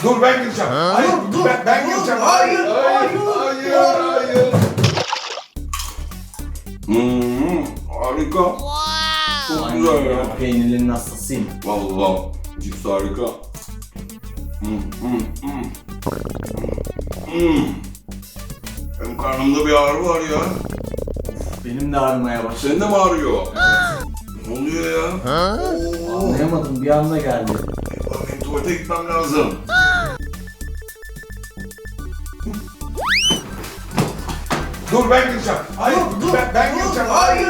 Dur ben gireceğim. Hayır Dur, ben dur. gireceğim. Hayır. Harika. Çok güzel ya. Peynirlerin hastasıyım. Vallahi cips harika. Benim karnımda bir ağrı var ya. Benim de ağrımaya başladı. Senin de mi ağrıyor? Ne oluyor ya? Anlayamadım, bir anda geldi. Benim tuvalete gitmem lazım. Dur ben gireceğim. Hayır ben gireceğim. Hayır.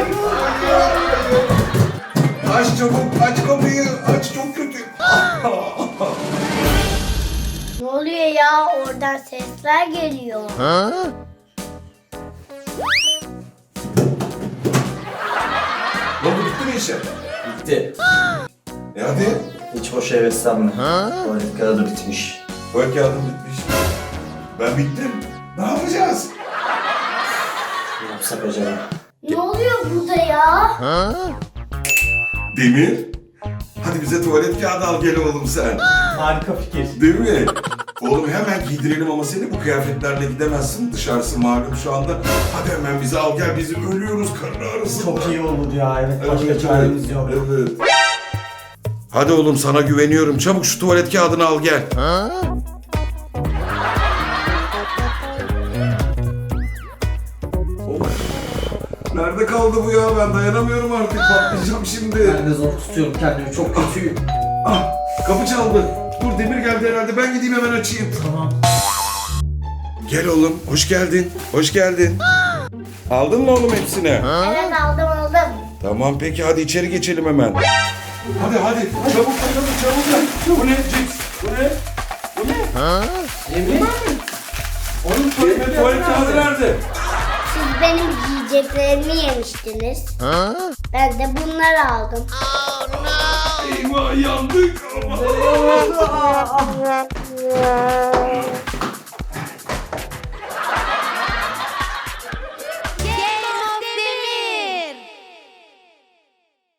Aç çabuk, aç kapıyı. Aç, çok kötü. Ne oluyor ya? Oradan sesler geliyor. Ne oldu, bitti mi işe? Bitti. Hadi. Hiç hoş heveslenme. Tuvalet kağıdı bitmiş. Tuvalet kağıdım bitmiş. Ben bittim. Ne yapacağız? Ne yapsak acaba? Ne oluyor burada ya? Demir. Hadi bize tuvalet kağıdı al gel oğlum sen. Harika fikir. Değil mi? Oğlum hemen giydirelim ama seni bu kıyafetlerle gidemezsin. Dışarısı malum şu anda. Hadi hemen bizi al gel, biz ölüyoruz karın ağrısından. Çok iyi olur ya, evet. Başka çaremiz yok. Evet. Hadi oğlum sana güveniyorum. Çabuk şu tuvalet kağıdını al gel. Of. Nerede kaldı bu ya? Ben dayanamıyorum artık. Patlayacağım şimdi. Ben de zor tutuyorum kendimi, çok kötüyüm. Ah, kapı çaldı. Dur, Demir geldi herhalde. Ben gideyim hemen açayım. Tamam. Gel oğlum. Hoş geldin. Hoş geldin. Aldın mı oğlum hepsini? Evet aldım. Tamam peki, hadi içeri geçelim hemen. Hadi çabuk çabuk. Bu ne cips? Bu ne? Emre? Onun Tuvalet kağıdı nerede? Siz benim giyeceklerimi yemiştiniz. Ben de bunları aldım. Eyvah, yandık ama.